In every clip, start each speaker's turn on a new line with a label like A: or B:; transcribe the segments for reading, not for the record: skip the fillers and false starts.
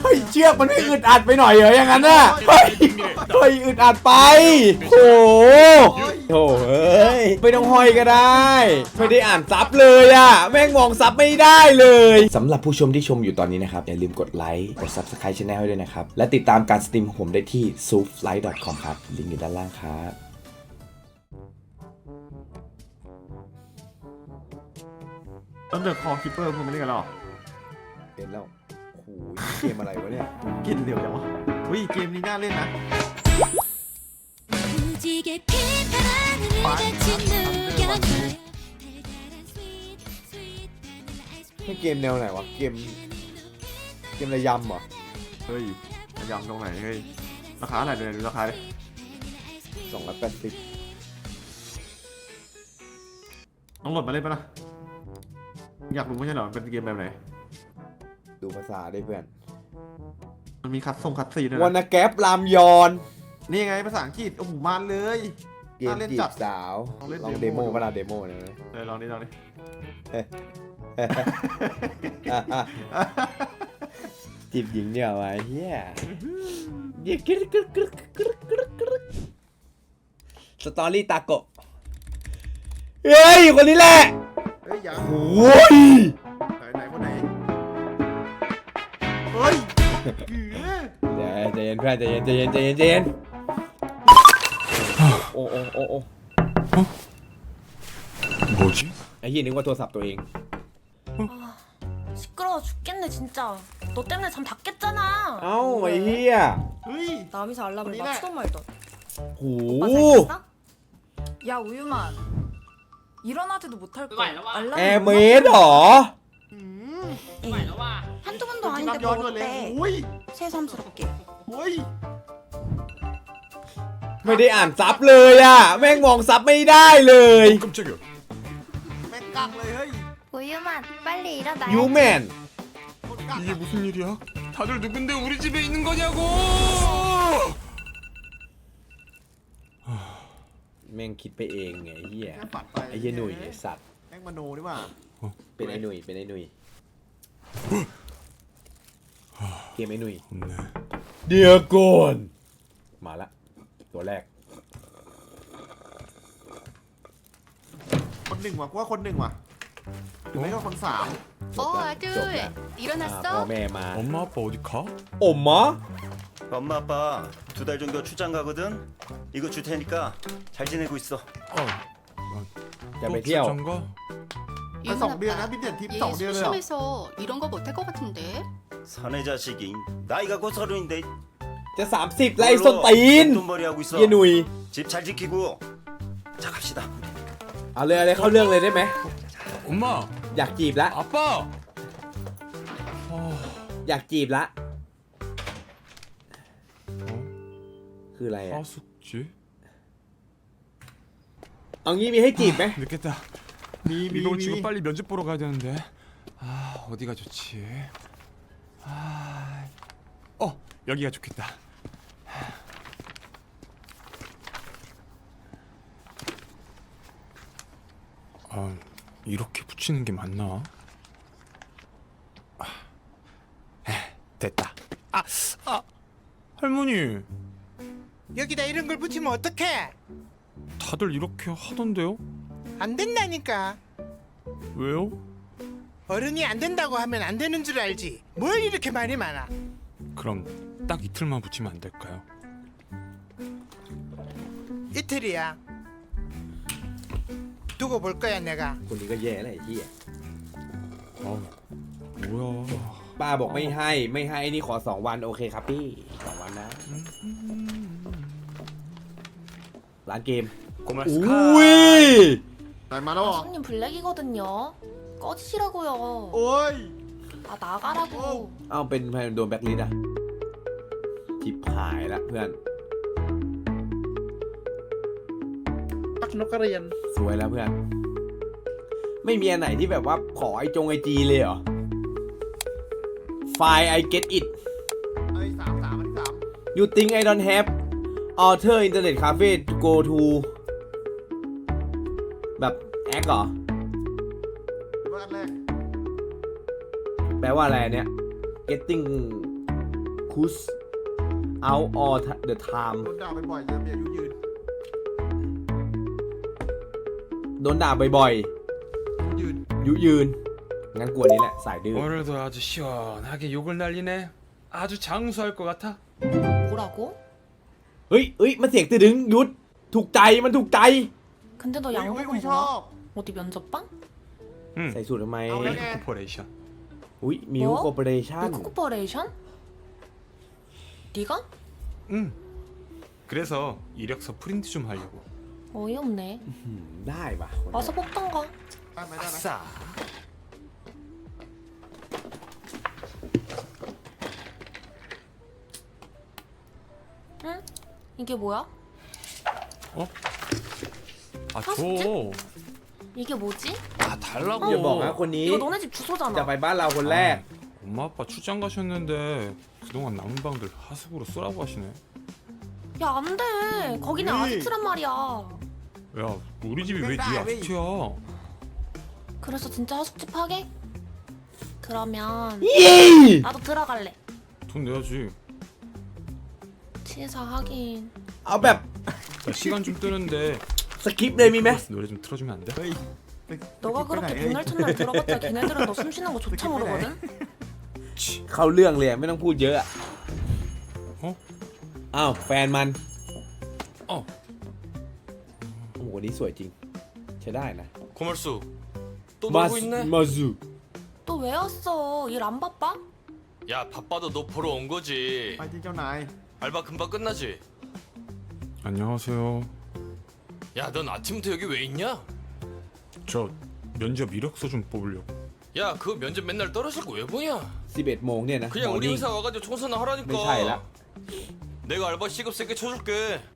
A: เฮ้ยเชือกมันไม่อึดอัดไปหน่อยเหรออย่างนั้นน่ะเฮ้ยอึดอัดไปโอ้โหเอ้ยไม่ต้องห้อยก็ได้ไม่ได้อ่านซับเลยอ่ะแม่งมองซับไม่ได้เลยสำหรับผู้ชมที่ชมอยู่ตอนนี้นะครับอย่าลืมกดไลค์กด Subscribe Channel ให้ด้วยนะครับและติดตามการสตรีมของผมได้ที่ sooflight.com ครับลิงก์อยู่ด้านล่างครับ
B: แล้วเดอะคอคิปเปอร์คุณไม่เล่นกันหรอ
A: เห็นแล้วโอ้โหเกมอะไรวะเนี่ย
B: กินเร็วจังวะเฮ้ยเกมนี้น่าเล่นนะ
A: เกมแนวไหนวะเกมระยำเหรอ
B: เฮ้ยยำตรงไหนเฮ้ยราคาเท่าไหร่เดี๋ยวราคาเลย
A: 280
B: ต้องโหลดมาเล่นปะล่ะอยากรู้ไม่ใช่เหรอเป็นเกมแบบไหน
A: ดูภาษาได้เพื่อน
B: มันมีคัดซีด้วยนะ
A: วานาแกปรามยอน
B: นี่ไงภาษาอังกฤษโอ้โหมาเลย
A: เกมจีบสาวลองเดโมเวลาเดโมนะ
B: ลองดิ
A: จีบหญิงเดียวไอ้เหี้ยสตอรี่ตาโกะเฮ้ยคนนี้แหละ
B: เฮ้ยยัง
A: โอ้ย
B: ไหนคนไหนเฮ้ย
A: ใจเย็นเพื่อนใจเย็นโอ้
C: 뭐지?
A: ไอ้เหี้ยนึกว่าโทรศัพท์ตัวเอง
D: 시끄러워 죽겠네 진짜. 너 때문에 잠 다 깼잖아.
A: เอ้าไอ้เหี้ย
B: เฮ้ย
D: 남이서 알람을 맞추던 말던.
A: โห
D: 오빠 잘 깼어?
E: 야 우유만 일어나지도 못할 거 알람
A: แอร์เมดเหรอ
D: 한두 번도 아닌데
B: ย้อนด้วยเลย
D: 먹었대.
B: อุ้ย
D: 새삼스럽게.
B: อุ้ย
A: ไม่ได้อ่านซับเลยอ่ะแม่งมองซับไม่ได้เลย
C: 깜짝이야.
B: แม่งกักเลยเฮ้ย
D: 우유만 빨리 일어나.
A: ยูแมน
B: คนกัก
C: 이게 무슨 일이야? 다들 누군데 우리 집에 있는 거냐고!
A: แม่งคิดไปเองไงไอ้เหี้ย
B: แม่งฝันไป
A: ไอ้เหี้ยหนุ่ยไอ้สัตว์
B: แม่งมโนดีกว่า
A: เป็นไอ้หนุ่ยเกมไอ้หนุ่ย
C: 없네.
A: เดี๋ยวก่อนมาละตัวแรก
B: คนหนึ่งว่ะกูว่าคนหนึ่งว่ะหรือไม่ก็คนสาม
A: จบแล้วพ่อแม่มา
C: 엄마 아빠 어디 가?
A: อมมะ
F: 엄마 아빠 2달 정도 출장 가거든. 이거 줄 테니까 잘 지내고 있어.
A: จะไป
C: 또
A: เที่ยว
C: 출장 가?
B: ไป2 เดือนนะพี่เด่นทิป2 เดือนเลยเหรอ
G: 심해서 이런 거 못할 것 같은데.
F: 사내 자식이 나이가 곧 30인데
A: จะ30แล้วไอ้ส้นตีน
F: 돈벌이 하고 있어.
A: เหี้ยหนุ่ย
F: 집 잘 지키고. 자 갑시다.
A: เอาเลยเข้าเรื่องเลยได้ไหม
C: 엄마!
A: อยากจีบละ
C: 아빠! 아,
A: อยากจีบละคืออะไรอ่ะ
C: 하숙집?
A: เอางี้มีให้จีบไหม
C: 늦겠다.
B: มี
C: 이걸 지금 빨리 면접 보러 가야 되는데. 아, 어디가 좋지? 아, 여기가 좋겠다. 아, 이렇게 붙이는 게 맞나? 됐다. 할머니.
H: 여기다 이런 걸 붙이면 어떡해?
C: 다들 이렇게 하던데요?
H: 안 된다니까.
C: 왜요?
H: 어른이 안 된다고 하면 안 되는 줄 알지. 뭘 이렇게 말이 많아.
C: 그럼 딱 이틀만 붙이면 안 될까요?
H: 이틀이야. 두고 볼 거야 내가.
A: คนนี้ก็แย่แล้วไอ้เหี้ย
C: 뭐야?
A: ป้าบอกไม่ให้นี่ขอ2 วันโอเคครับพี่2 วันนะร้านเกม
C: 고맙습니다.
A: อุ้ย
B: ไหนมาแล้วเหรอ
D: 손님 블랙이거든요. 꺼지시라고요.
B: โอ้ย
D: 아 나가라고.
A: เอาเป็นโดนแบ็คลิสต์อ่ะทิปหายละเพื่อน
H: ตักนกกระเรียน
A: สวยแล้วเพื่อนไม่มีอันไหนที่แบบว่าขอไอจีเลยเหรอไฟล์ I get it
B: ไอ้สามอันที่ 3
A: you think I don't have author internet cafe to go to แบบแอคเหรอ
B: ว่าอันแรก
A: แปลว่าอะไรเนี่ย getting focus out all the time
B: โดนด่าบ่อยๆจะมีอายุยืน
A: โดนด่าบ่อย
B: ยืน
A: ๆยุยืนงั้นกลัวนี้แหละสายดื้อ
C: 오늘도 아주 시원하게 욕을 날리네. 아주 장수할 것 같아.
D: 뭐라고?
A: เฮ้ยมันเสียงตือดึงยุดถูกใจมันถูกใจ
D: 근데 너
B: อุ้ย
D: 양복은
B: ชอบ
D: 뭐야? 어디 면접방?
C: 응.
A: ใส่สูตรทำไม
B: เอาแล้วไง
C: 코퍼레이션.
A: อุ้ยมิว
D: 뭐?
A: คอร์ปอเรชั่น
D: 미코퍼레이션? 네가?
C: 응. 그래서 이력서 프린트 좀 하려고.
D: 어이없네.
A: ได้ปะ
D: 와서 뽑던가.
B: ได้ไหมได้ไหม
C: 아싸.
D: 응? 이게 뭐야?
C: 아
D: 사숙제?
C: 줘.
D: 이게 뭐지?
C: 아 달라고.
A: อย่าบอกนะคนนี้
D: 이거 너네 집
A: จะ
D: 주소잖아.
A: ไปบ้านเราคนแรก
C: 엄마 아빠 출장 가셨는데 그동안 남은 방들 하숙으로 쓰라고 하시네.
D: 야, 안 돼. 거기는
B: 에이.
D: 아지트란 말이야.
C: 야 우리 집이 왜 네 아파트야?
D: 그래서 진짜 하숙집 하게? 그러면
A: ยี่
D: 나도 들어갈래.
C: 돈 내야지.
D: 치사 하긴.
A: เอาแบบ
C: 야, 시간 좀 뜨는데
A: สคริปต์เลยมีไหม
C: 노래 좀 틀어주면 안 돼?
B: เฮ้ย
D: 너가 그렇게 백날 첫날 들어봤자 걔네들은 너 숨 쉬는 거 조차 모르거든?
A: เข้าเรื่องเลยอะไม่ต้องพูดเยอะอะ
C: 어?
A: อ้าวแฟนมัน
C: 어.
A: โอ้โหนี่สวยจริงใช้ได้นะ
I: 고말수 또
A: มา
I: 놀고 있네?
A: มาซู
D: 너 왜 왔어? 일 안 바빠?
I: 야 바빠도 너 보러 온 거지.
B: ไปที่เจ้านาย
I: 알바 금방 끝나지?
C: 안녕하세요.
I: 야 넌 아침부터 여기 왜 있냐?
C: 저 면접 이력서 좀 뽑으려고.
I: 야 그 면접 맨날 떨어질 거 왜 보냐?
A: 11โมงเนี่ยนะ
I: 그냥
A: มอร์
I: 우리
A: นิ่ง
I: 회사 와가지고 청소나
A: ไม่ใช่ละ
I: 하라니까. 내가 알바 시급 세게 쳐줄게.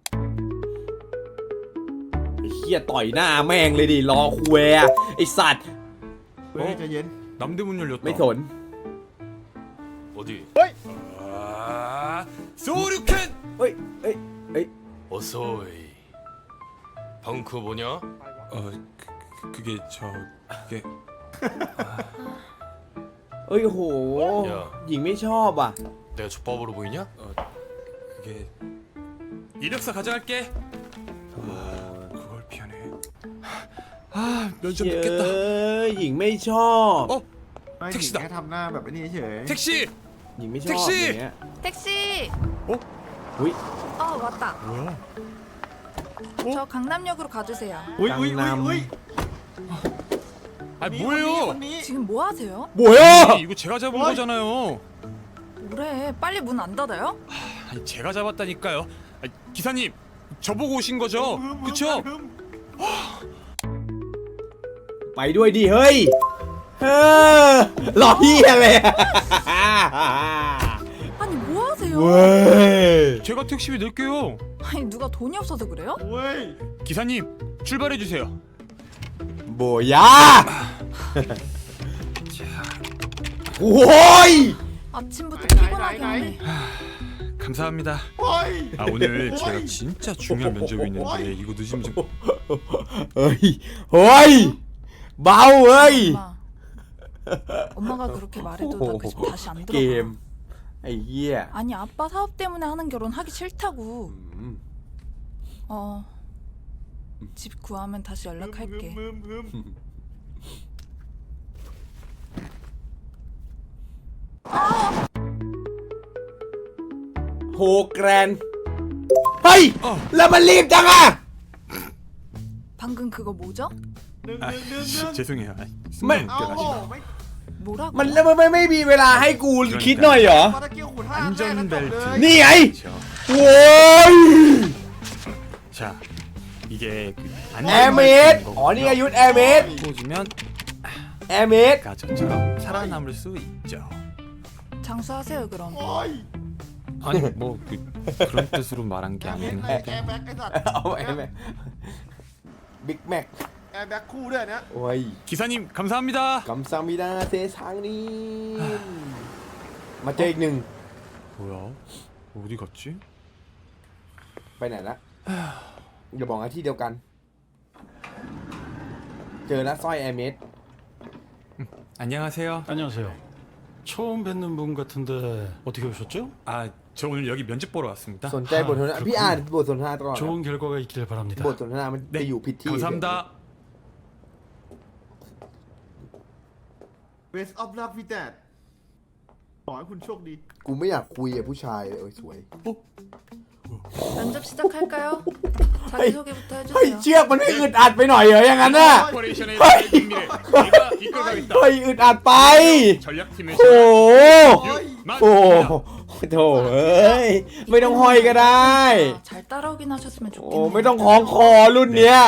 A: ไอ้เหี้ยต่อยหน้าแม่งเลยดิรอคุยอะไอสัตว์
B: เฮ้ยใจเย็น
C: 남대문 열렸다.
A: ไม่สน
I: 어디?
C: 아, 소류캔.
A: เฮ้ยเอ้ยเอ้ย
I: 어서이. 방금 그거 뭐냐?
C: 그게 그게
A: เอ้ยโห
I: อย่า
A: หญิงไม่ชอบอ่ะ
I: 내가 족밥으로 보이냐?
C: 그게 이력서 가져갈게. 그걸 피하네. 아, 면접
A: เย้
C: 늦겠다.
A: หญิงไม่ชอบ
C: 어,
B: ไม่
C: แท็กซี่
B: แค่ทำหน้าแบบนี้เฉย
C: 택시.
A: หญิงไม่ชอบ
C: แท็กซี่
A: อย่างเงี้ย
E: 택시.
A: อุ้ย
E: 왔다.
C: 뭐야?
E: 저 강남역으로 가주세요.
B: อุ้ยอุ้ยอุ้ยอุ้ย
C: 아,
B: คน
C: 뭐예요?
B: นี้
E: 지금 뭐 하세요?
A: 뭐야
C: 이거 제가 잡은
B: 어이.
C: 거잖아요.
E: 뭐래? 빨리 문 안 닫아요?
C: 아니, 제가 잡았다니까요. 아니, 기사님, 저보고 오신 거죠? 그쵸?
A: ไปด้วยดิเฮ้ยเออรอเฮียเลยอะ
E: 아니 뭐 하세요?
A: เว้ย
C: 제가 택시비 낼게요.
E: 아니 누가 돈이 없어서 그래요?
B: เว้ย
C: 기사님, 출발해 주세요.
A: โบยาโอ้ย
E: 아침부터
B: 나이,
E: 피곤하게
B: 나이,
E: 하네.
C: 감사합니다.
B: โอ้ย
C: 아, 오늘 제가 진짜 중요한 면접이 있는데 이거 늦으면 좀
A: เฮ้ยเฮ้ยเบาเฮ้ย
E: 엄마. 엄마가 그렇게 말해도 나 그 집 다시 안
A: เกม
E: 들어가.
A: ไอ้เหี้ย
E: 아니 아빠 사업 때문에 하는 결혼 하기 싫다고.
A: อืม
E: 집 구하면 다시 연락할게.
B: มึมมึม
A: โฮแกรนเฮ้ยแล้วมันรีบจังอะ
E: 방금 그거 뭐죠?
B: ดึง
C: 아,
B: ดึงดึงดึง
C: 죄송해요. 아,
A: 매-
C: 순간
B: เอาโอ้
C: 웃겨가지고.
B: ไม่
E: 뭐라고?
A: มันแล้วมันไม่มีเวลาให้กูคิดหน่อยเหรอ
B: ปาตะเกียวขุนห้าแรกแล้วจบเลย
C: 안전벨트.
A: นี่ไง
C: 그렇죠.
A: โว้ย
C: 자, 이게 그
A: แอร์เมดอ๋อนี่ไงยุทธแอร์เมด
C: 꽂으면
A: แอร์เมด
C: 가전처럼 살아남을 수 있죠.
E: 장수하세요 그럼.
B: โอ้ย
C: 아니 뭐 그런 뜻으로 말한 게
B: แอร์
C: 아니긴
B: แบ็ก
C: 한데.
B: แอร์แบ็กไอ้สัตว์
A: เอาแอร์แม็กบิ๊กแม็ก
B: แอร์แบ็กคู่ด้วยนะ
A: โอ้ย
C: 기사님 감사합니다.
A: กำซามิดาเซซังนี่มาเจออีกหนึ่ง
C: 뭐야? 어디 갔지?
A: ไปไหนละอย่าบอกนะที่เดียวกัน เจอแล้วสร้อยแอร์เมด
C: 안녕하세요.
J: 안녕하세요.
I: 처음 뵙는 분 같은데 어떻게 오셨죠?
C: 아, 저 오늘 여기 면접 보러 왔습니다.
A: สนใจบทสนทนาพี่อ่านบทสนทนาตลอดนะ
I: 좋은 결과가 있길 바랍니다.
A: บทสนทนามันไปอยู่ผิดที่
C: 감사합니다.
B: Best of luck with that ขอให้คุณโชคดี
A: กูไม่อยากคุยกับผู้ชายเลยโอ้ยสวย
E: 면접 시작할까요? 자기소개부터
A: เฮ้ย
E: 해주세요.
A: เชือกมันไม่อึดอัดไปหน่อยเหรออย่างนั้นน่ะ
C: 코퍼레이션의 미래 내가 이끌어가겠다.
A: เฮ้ยอึดอัดไป
C: 전략팀의
A: โอ้โห โอ้
C: 유만.
A: โถเอ้ยไม่ต้องห้อยก็ได้
E: 잘 따라오긴 하셨으면
A: โอ้
E: 좋겠네요.
A: ไม่ต้องคล้องคอรุ่นเนี้ย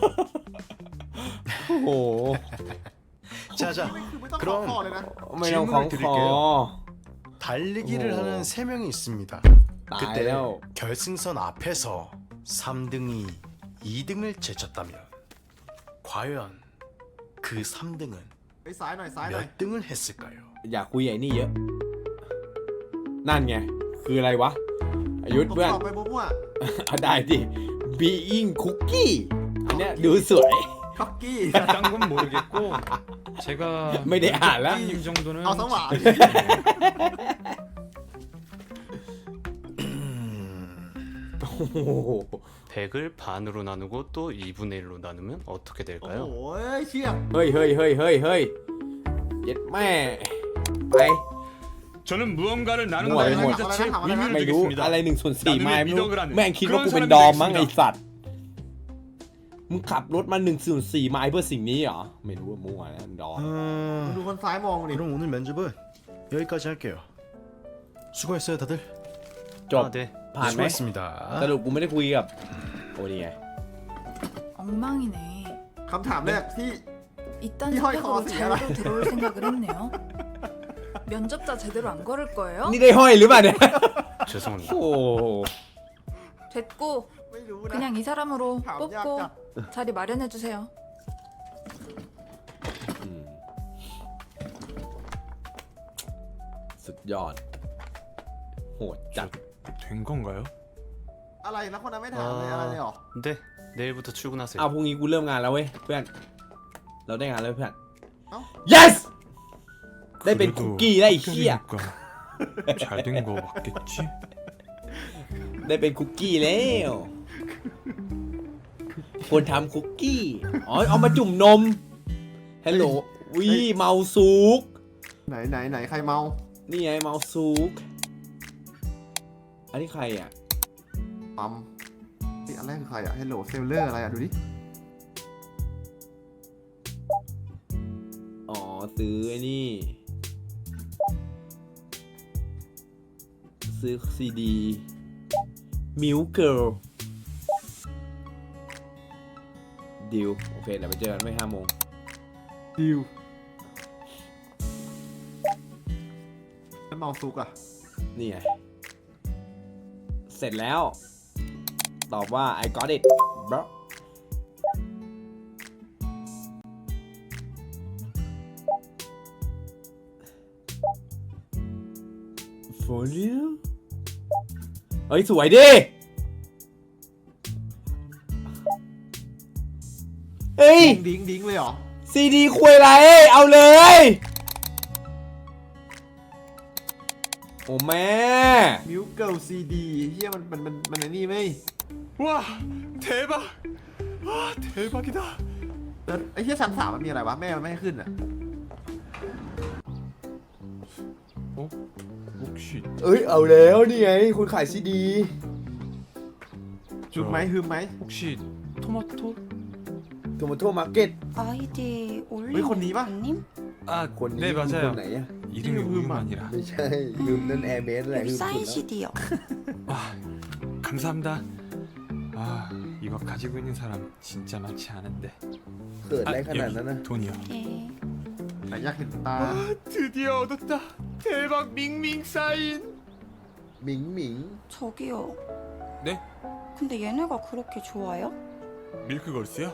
A: โอ้โห
F: 자자
B: คือไม่ต้องขอ
F: 그럼
B: ขอเลยนะ
A: ไม่ต้องคล้องคอ
F: 달리기를
A: 오.
F: 하는 3명이 있습니다. 그때
A: 나요.
F: 결승선 앞에서 3등이 2등을 제쳤다면 과연 그 3등은
B: ไปซ้ายหน่อยซ้ายหน่อย
F: 몇 등을 했을까요?
A: อยากคุยไอ้นี่เยอะ นั่นไง คืออะไรวะอายุทธ
B: ตบ
A: เพื่อน
B: ตอบไปมั่ว
A: ได้ดิ being cookie อันเนี้ยดูสวย
B: ๆค็อกกี้
C: 딴 건 모르겠고 제가
A: ไม่ได้อ่านแล้ว
C: 님 정도는
B: เอาสว่าง
A: โอ้โห
I: 100을 반으로 나누고 또 2분의 1로 나누면 어떻게
B: โอ้โห
I: 될까요?
B: เชี่ย
A: เฮ้ยเฮ้ยเฮ้ยเฮ้ยเฮ้ยเย็ดแม่ ไป
C: 저는 무언가를
A: 뭐야,
C: 나눈다는
A: 뭐야.
C: 행위 자체에 의미를
A: ไม่รู้
C: 두겠습니다.
A: อะไร1/4ไม่รู้
C: 미덕을 하는
A: แม่งคิดว่า
C: 그런
A: กูเป็น
C: 사람들이
A: ดอมมั้งไอ
C: 있습니다.
A: สัตว์ มึงขับรถมา1/4ไม้เพื่อสิ่งนี้เหรอ ไม่รู้ว่ามั่วนะดอม
B: ดูคนซ้ายมองดิ
F: 그럼 오늘 면접은 여기까지 할게요. 수고했어요, 다들.
A: จบ
I: 아, 네.
A: ผ่านไหม
F: 수고했습니다.
A: สรุปกูไม่ได้คุยกับ โอ้นี่ไง
E: 엉망이네.
B: คำถามแรกที่
E: 이딴
B: 이 허이
E: 스펙으로
B: 커서
E: 잘도 들어올 생각을 했네요. 면접자 제대로 안 걸을 거예요?
A: นี่ได้ห้อยหรือเปล่าเนี่ย
I: 죄송합니다.
A: โอ้โห
E: 됐고
B: ไม่รู้นะ
E: 그냥 이 사람으로
B: 참
E: 뽑고
B: 약자.
E: 자리 마련해 주세요.
A: อืมสุดยอด โหดจัด
C: 된 건가요?
B: อะไรแล้วคนนั้นไม่ถามเลยอะไรเลยเหรอ
I: 네. 내일부터 출근하세요.
A: เอาพรุ่งนี้กูเริ่มงานแล้วเว้ยเพื่อน เราได้งานแล้วเพื่อน
B: เอ้า
A: yes ได้เป็นคุก
C: 그래도
A: กี้ได้ไอ้เหี้ย
C: 합격이니까 잘 된 거 맞겠지?
A: ได้เป็นคุกกี้แล้วคนทำคุกกี้ อ๋อ เอามาจุ่มนม ฮัลโหลวิเมาซุก
B: ไหนใครเมา
A: นี่ไงเมาซุก อันนี้ใครอ่ะ
B: ปั๊มนี่อันแรกคือใครอะเฮลโลเซลเลอร์อะไรอะดูดิ
A: อ๋อ ซื้อไอ้นี่ ซื้อซีดีมิวเกิลดิวโอเคเดี๋ยวไปเจอกันไม่5 โมง
B: ดิวแล้วเมาซุกอะ
A: นี่ไง เสร็จแล้ว ตอบว่า I got it bro for you เฮ้ย สวยดิ เฮ้ย
B: ดิ้งเลยเหรอ
A: ซีดีคุยอะไร เอาเลย โอ้แม่
B: มิวเกิลซีดีเฮียมันไอ้นี่ไหม
C: 와 대박! 와 대박이다.
B: แล้วไอ้เฮียชั้น 3มันมีอะไรวะ แม่มันไม่ให้ขึ้นอะ
C: 혹시
A: เอ้ย เอาแล้วนี่ไง คุณขายซีดี
B: ฮึมไหม
C: 혹시 토마토?
A: โทมาโตมาร์เก็ต
D: 아이디 올리브
B: 왜 건니마?
D: 님?
C: 아
A: คนนี้
C: 네
A: คือคน
C: 맞아요.
A: ไหนอะ
C: 이름이
B: 이름이
C: 우유만이라.
A: ไม่ใช่ลืมนั่นแอร์เมสแหละลืม
D: 사인
A: สุดแล้ว
D: CD요.
C: 아 감사합니다. 아 이거 가지고 있는 사람 진짜 많지 않은데.
A: เกิดอะไรขนาดนั้นนะ
C: 돈이요.
D: 예.
B: ไหนอยากเห็นตา
C: 드디어 얻었다. 대박 밍밍 사인.
A: หมิงหมิง
D: 저기요.
C: 네?
D: 근데 얘네가 그렇게 좋아요?
C: 밀크걸스요?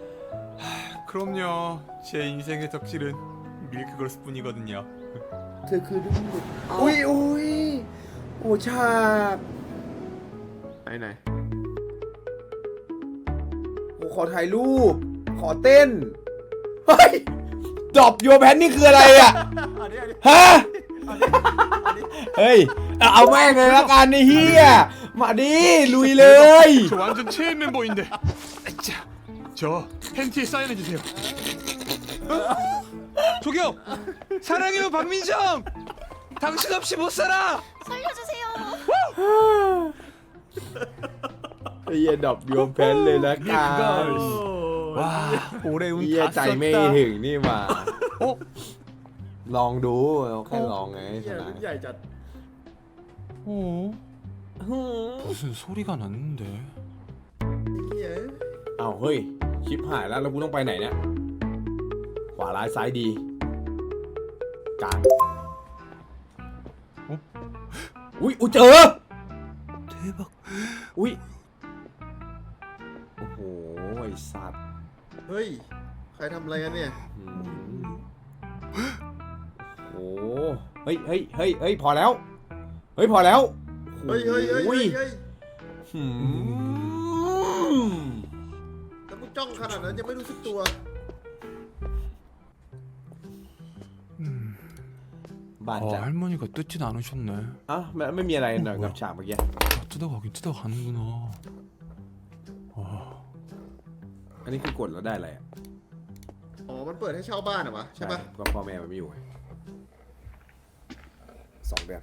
C: 그럼요. 제 인생의 덕질은 밀크걸스뿐이거든요.
A: เธอคือลูกอุ้ยอุ้ยโอ้ฉาก
B: ไหน
A: โอ้ขอถ่ายรูป ขอเต้น เฮ้ยดรอปโยแพนนี่คืออะไรอ่ะ
B: อันนี้
A: ฮะเฮ้ย เอาแม่งเลยละกันไอ้เฮียมาดิลุยเลย
C: 저 완전 체인 멤버인데. 자, 저 팬티에 사인해 주세요. 저기요, 사랑해요 박민정. 당신 없이 못 살아.
G: 살려주세요.
A: ไอ้เฮียดอกโยมแพนเลยละกัน
C: 와, 올해
A: เฮีย
C: 운
A: ใจ
C: 다
A: ไม่
C: 썼다.
A: ถึงนี่มาลองดูเราแค่ลองไงชนะ
B: ใหญ่จัด
C: 무슨 소리가 났는데?
A: เอาเฮ้ยชิปหายแล้วแล้วกูต้องไปไหนเนี่ยขวาร้ายซ้ายดีกลางอุ้ยเจอ
C: 대박.
A: อุ้ยโอ้โหไอ้สัตว์
B: เฮ้ย ใครทำอะไรกันเนี่ย
A: อืมโอ้โหเฮ้ยเฮ้ยเฮ้ยเฮ้ยพอแล้วเฮ้ยพอแล้ว
B: เฮ้ยเฮ้ยเฮ้ย
A: โอ้
B: เฮ้ย
A: หืม
B: แล้วมึงจ้องขนาดนั้นยังไม่รู้สึกตัว
A: บาด
C: 아,
A: จัง
C: 할머니가 뜯진 않으셨네.
A: อ่ะไม่มีอะไรหน่อยกับฉากเมื่อกี้
C: 다 뜯어가긴 뜯어가는구나.
A: อันนี้คือกดแล้วได้อะไรอ่ะ
B: อ๋อ มันเปิดให้เช่าบ้านเหรอวะใช่ปะ
A: ก็พ่อแม่มันไม่อยู่ไง2 เดือน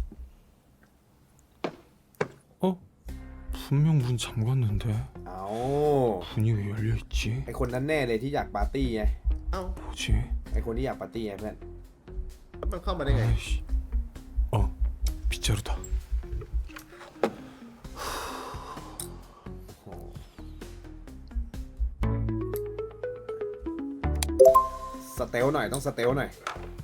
C: 어? 분명 문 잠갔는데
A: เอา
C: 문이 왜 열려 있지?
A: ไอคนนั้นแน่เลยที่อยากปาร์ตี้ไง
B: เอ้า
C: 뭐지?
A: ไอคนที่อยากปาร์ตี้ไงเพื่อน
B: แล้วมันเข้ามาได้ไง
C: 아이씨. 어, 빗자루다.
A: สเตลหน่อยต้องสเตลหน่อย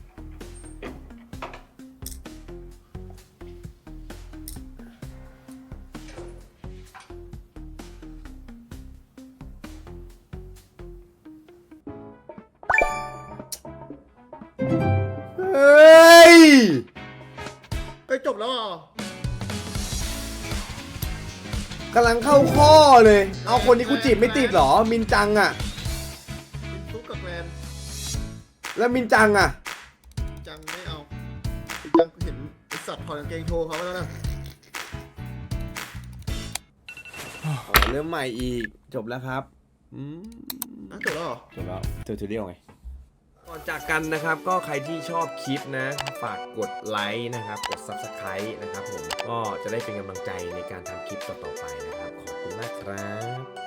A: เฮ้ย
B: เฮ้ย จบแล้วเหรอก
A: ำลังเข้าข้อเลย เอาคนนี้กูจีบไม่ติดเหรอ มินจังอ่ะ
B: ซุกกับแกรน
A: แล้วมินจังอ่ะ
B: จังไม่เอาจังเห็นไอสัตว์ถอดกางเกงโชว์เขาไปแล้วนะ
A: อ๋อเริ่มใหม่อีกจบแล้วครับ
B: จบแล้วเหรอ
A: จบแล้วเทอร์ทูเรียลไงก่อนจากกันนะครับก็ใครที่ชอบคลิปนะฝากกดไลค์นะครับกด Subscribe นะครับผมก็จะได้เป็นกำลังใจในการทำคลิปต่อๆไปนะครับขอบคุณมากครับ